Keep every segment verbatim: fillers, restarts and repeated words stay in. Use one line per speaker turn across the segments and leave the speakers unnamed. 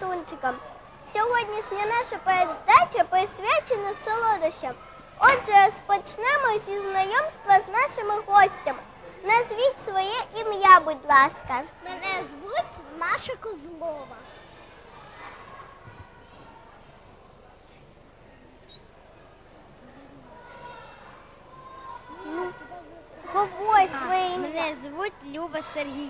красунчикам. Сьогоднішня наша передача присвячена солодощам. Отже, розпочнемо зі знайомства з нашими гостями. Назвіть своє ім'я, будь ласка.
Мене звуть Маша Козлова.
Ну, говорь своє ім'я.
Мене звуть Люба Сергій.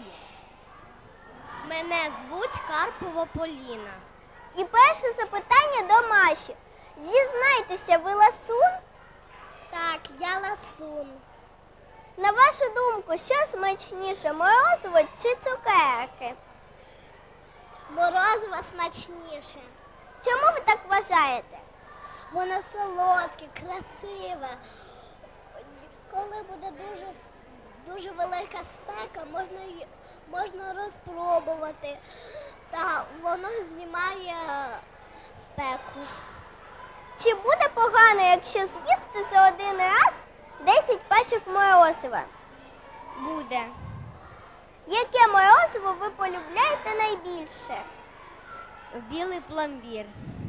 Мене звуть Карпова Поліна.
І перше запитання до Маші. Зізнайтеся, ви ласун?
Так, я ласун.
На вашу думку, що смачніше, морозиво чи цукерки?
Морозиво смачніше.
Чому ви так вважаєте?
Воно солодке, красиве. Коли буде дуже, дуже велика спека, можна, й- можна розпробувати. Та воно знімає спеку.
Чи буде погано, якщо з'їсти за один раз десять пачок морозива?
Буде.
Яке морозиво ви полюбляєте найбільше?
Білий пломбір.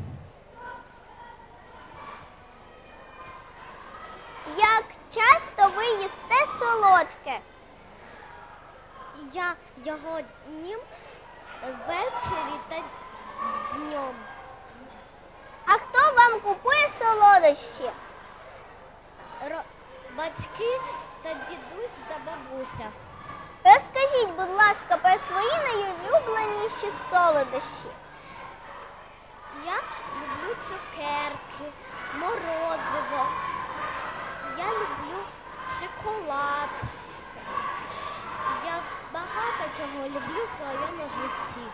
Як часто ви їсте солодке?
Я його днем ввечері та днем.
А хто вам купує солодощі?
Ро- Батьки та дідусь та бабуся.
Розкажіть, будь ласка, про свої найулюбленіші солодощі.
Я люблю цукерки, морозиво. Я люблю шоколад. Я багато чого люблю в своєму житті.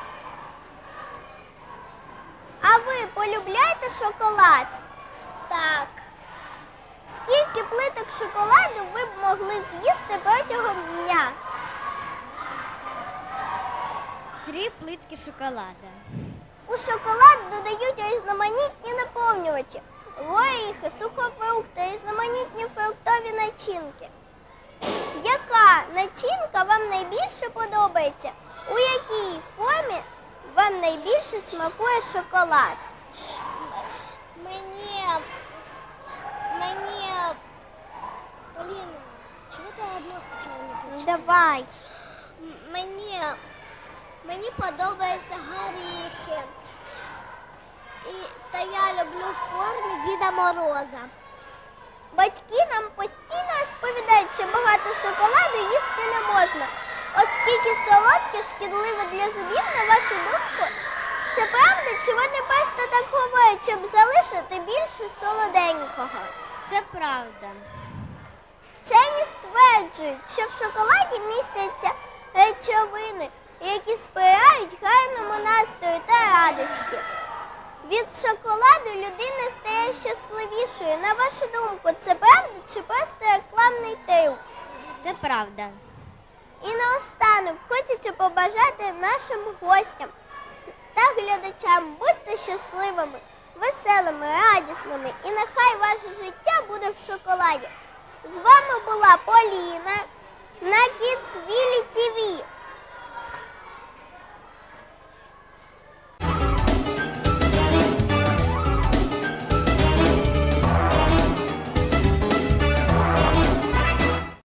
А ви полюбляєте шоколад?
Так,
Скільки плиток шоколаду ви б могли з'їсти протягом дня?
Три плитки шоколада.
У шоколад додають різноманітні наповнювачі, горіхи, сухофрукти, різноманітні фруктові начинки. Яка начинка вам найбільше подобається? У якій формі вам найбільше смакує шоколад?
мені, мені, Поліна, чого ти одно спочатку не прочитала?
Давай.
М- Мені, мені подобаються горіхи. І, та я люблю в формі Діда Мороза.
Батьки нам постійно розповідають, що багато шоколаду їсти не можна, оскільки солодке шкідливе для зубів, на вашу думку. Це правда, чи вони просто так говорять, щоб залишити більше солоденького?
Це правда.
Вчені стверджують, що в шоколаді містяться речовини, які сприяють гарному настрою та радості. Від шоколаду людина стає щасливішою. На вашу думку, це правда чи просто рекламний трюк?
Це правда.
І наостанок хочеться побажати нашим гостям та глядачам бути щасливими, веселими, радісними. І нехай ваше життя буде в шоколаді. З вами була Поліна на Kidsville ті ві.